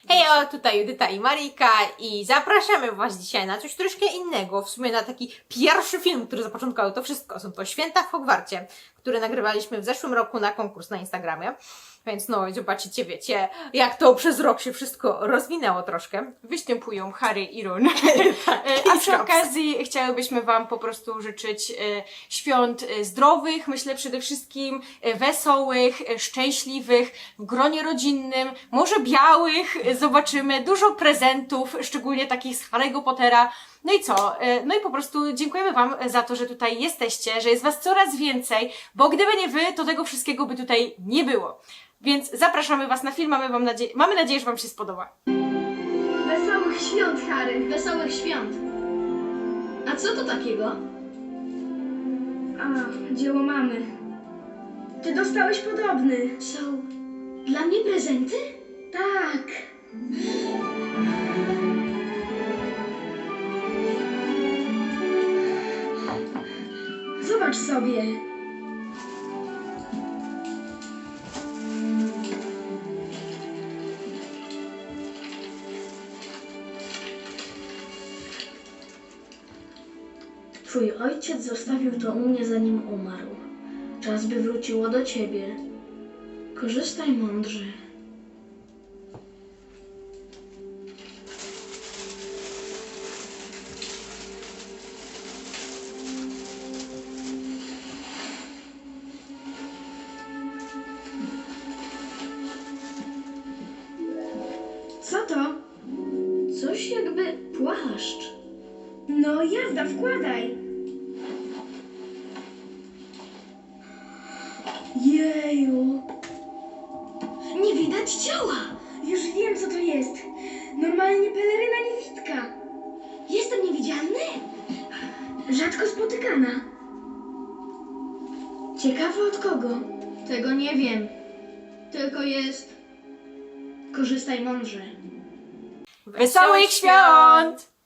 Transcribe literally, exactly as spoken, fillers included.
Hejo, tutaj Judyta i Marika i zapraszamy Was dzisiaj na coś troszkę innego, w sumie na taki pierwszy film, który zapoczątkował to wszystko. Są to Święta w Hogwarcie, które nagrywaliśmy w zeszłym roku na konkurs na Instagramie. Więc no, zobaczycie, wiecie, jak to przez rok się wszystko rozwinęło troszkę. Występują Harry i Ron. A przy okazji chciałybyśmy Wam po prostu życzyć świąt zdrowych, myślę przede wszystkim wesołych, szczęśliwych, w gronie rodzinnym, może białych, zobaczymy, dużo prezentów, szczególnie takich z Harry'ego Pottera. No i co? No i po prostu dziękujemy Wam za to, że tutaj jesteście, że jest Was coraz więcej, bo gdyby nie Wy, to tego wszystkiego by tutaj nie było. Więc zapraszamy Was na film, mamy, wam nadzie mamy nadzieję, że Wam się spodoba. Wesołych świąt, Harry! Wesołych świąt. A co to takiego? A, dzieło mamy. Ty dostałeś podobny. Są dla mnie prezenty? Tak. Zobacz sobie. Twój ojciec zostawił to u mnie, zanim umarł. Czas, by wróciło do ciebie. Korzystaj mądrze. Co to? Coś jakby płaszcz. No jazda, wkładaj. Jeju. Nie widać ciała. Już wiem, co to jest. Normalnie peleryna niewidka. Jestem niewidzialny? Rzadko spotykana. Ciekawe od kogo? Tego nie wiem. Tylko jest... Korzystaj mądrze. Wesołych świąt!